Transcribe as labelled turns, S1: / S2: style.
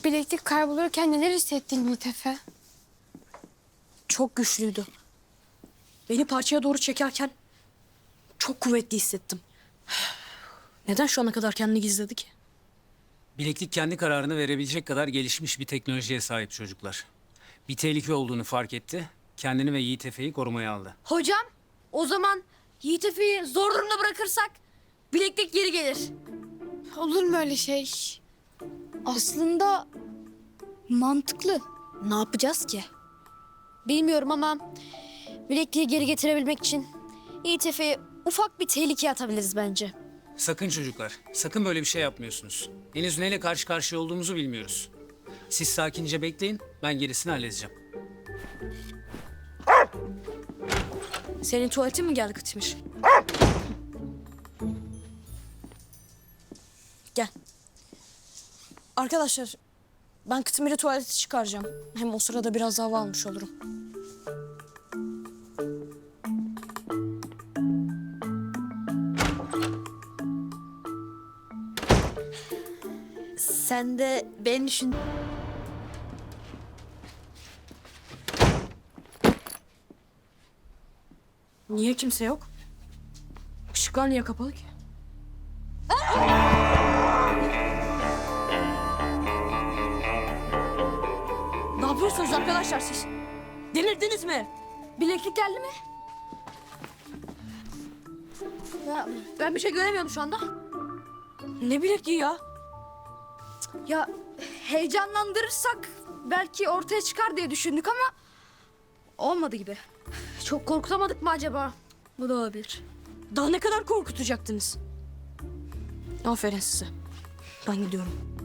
S1: Bileklik kaybolurken neler hissettin Yiğit Efe?
S2: Çok güçlüydü. Beni parçaya doğru çekerken çok kuvvetli hissettim. Neden şu ana kadar kendini gizledi ki?
S3: Bileklik kendi kararını verebilecek kadar gelişmiş bir teknolojiye sahip çocuklar. Bir tehlike olduğunu fark etti, kendini ve Yiğit Efe'yi korumaya aldı.
S4: Hocam, o zaman Yiğit Efe'yi zor durumda bırakırsak bileklik geri gelir.
S1: Olur mu öyle şey? Aslında mantıklı.
S4: Ne yapacağız ki? Bilmiyorum ama bilekliği geri getirebilmek için Yiğit Efe'yi ufak bir tehlikeye atabiliriz bence.
S3: Sakın çocuklar, sakın böyle bir şey yapmıyorsunuz. Henüz neyle karşı karşıya olduğumuzu bilmiyoruz. Siz sakince bekleyin, ben gerisini halledeceğim.
S2: Senin tuvaletin mi geldi Kıtmış? Gel. Arkadaşlar, ben Kıtmir'i tuvalete çıkaracağım. Hem o sırada biraz hava almış olurum.
S4: Sen de beni düşün.
S2: Niye kimse yok? Işıklar niye kapalı ki? Ne yapıyorsunuz arkadaşlar siz? Delirdiniz mi?
S4: Bileklik geldi mi? Ya, ben bir şey göremiyorum şu anda.
S2: Ne bilekliği ya?
S4: Ya heyecanlandırırsak belki ortaya çıkar diye düşündük ama olmadı gibi. Çok korkutamadık mı acaba? Bu da olabilir.
S2: Daha ne kadar korkutacaktınız? Aferin size. Ben gidiyorum.